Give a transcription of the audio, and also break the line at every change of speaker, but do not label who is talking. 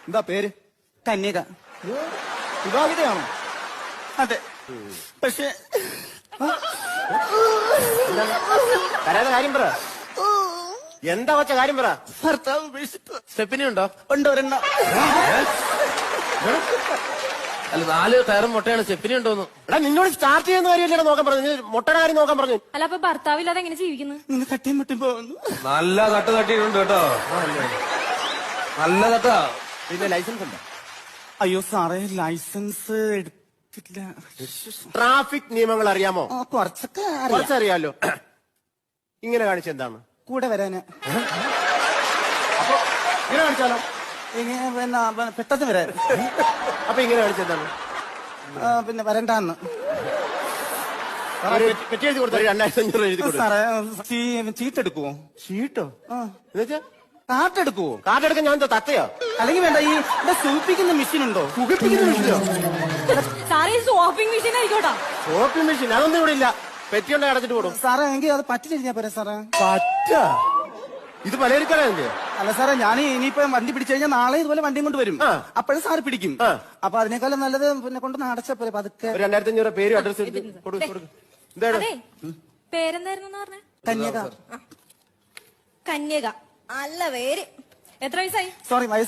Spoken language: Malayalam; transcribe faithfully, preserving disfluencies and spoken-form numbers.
എന്താ പേര്?
കന്യക.
വിവാഹിതയാണോ?
അതെ. പക്ഷെ
കരയാതെ കാര്യം പറ. എന്താ വച്ച കാര്യം പറ.
ഭർത്താവ് ഉപേക്ഷിച്ചു.
സ്റ്റെപ്പിനി ഉണ്ടോ?
ഉണ്ട് ഒരെണ്ണം.
അല്ല നാല് കയറും മുട്ടയാണ്. സ്റ്റെപ്പിനി ഉണ്ടോന്ന്. എടാ നിന്നോട് സ്റ്റാർട്ട് ചെയ്യുന്ന കാര്യമല്ലേ നോക്കാൻ പറഞ്ഞു. മുട്ടയുടെ കാര്യം നോക്കാൻ പറഞ്ഞു.
അല്ല അപ്പൊ ഭർത്താവില്ലാതെ എങ്ങനെ ജീവിക്കുന്നു?
നിങ്ങൾ തട്ടിയും മുട്ടി പോകുന്നു.
നല്ല തട്ട് തട്ടിയിട്ടുണ്ട് കേട്ടോ. നല്ല തട്ടാ.
പിന്നെ ലൈസൻസ് ഉണ്ടോ?
അയ്യോ സാറേ, ലൈസൻസ് എടുത്തില്ല.
ട്രാഫിക് നിയമങ്ങൾ അറിയാമോ?
ആ, കുറച്ചൊക്കെ അറിയാം.
കുറച്ചറിയാലോ. ഇങ്ങനെ കാണിച്ച എന്താണ്?
കൂടെ വരാന്.
അപ്പൊ ഇങ്ങനെ കാണിച്ചാലോ?
ഇങ്ങനെ പിന്നെ പെ- പെട്ടെന്ന് വരാൻ.
അപ്പൊ ഇങ്ങനെ കാണിച്ച എന്താണ്?
ആ, പിന്നെ വരണ്ടാന്ന്.
പെറ്റി എഴുതി കൊടുത്താൽ രണ്ടായിരത്തി അഞ്ഞൂറ് എഴുതി കൊടുത്തു.
സാറേ, ചീ- ചീട്ടെടുക്കുവോ?
ഷീട്ടോ?
ആ,
എന്നുവെച്ചാ
കാട്ടെടുക്കുവോ?
കാർഡ് എടുക്കാൻ ഞാൻ എന്താ തത്തയോ?
അല്ലെങ്കിൽ വേണ്ട, ഈ ഇവിടെ സൂപ്പിക്കുന്ന മെഷീൻ ഉണ്ടോ?
പുകപ്പിക്കുന്ന മെഷീനോ?
സാറേ സോപ്പിംഗ് മെഷീൻ ആയിക്കോട്ടാ.
ഷോപ്പിംഗ് മെഷീൻ അതൊന്നും ഇവിടെ ഇല്ല. പെറ്റി ഉണ്ടെങ്കിൽ അടച്ചിട്ട് കൊടുക്കും.
സാറേ, എങ്കിൽ അത് പറ്റില്ല പോരെ സാറേ?
പറ്റ ഇത് പലചരക്കടയല്ലേ?
അല്ല സാറേ, ഞാൻ ഇനിയിപ്പോ വണ്ടി പിടിച്ചു കഴിഞ്ഞാൽ നാളെ ഇതുപോലെ വണ്ടിയും കൊണ്ട് വരും.
ആ.
അപ്പോഴും സാറ് പിടിക്കും.
ആ.
അപ്പൊ അതിനേക്കാളും നല്ലത് പിന്നെ കൊണ്ടൊന്ന് അടച്ച പോലെ പതുക്കെ.
ഒരു രണ്ടായിരത്തി അഞ്ഞൂറ് പേര് അഡ്രസ് എടുത്ത് കൊടുക്കും കൊടുക്കും. എന്താണ്?
അതെ പേരെന്തായിരുന്നു പറഞ്ഞ?
കന്യക.
കന്യക. നല്ല പേര്. എത്ര വയസ്സായി?
സോറി, വയസ്സ്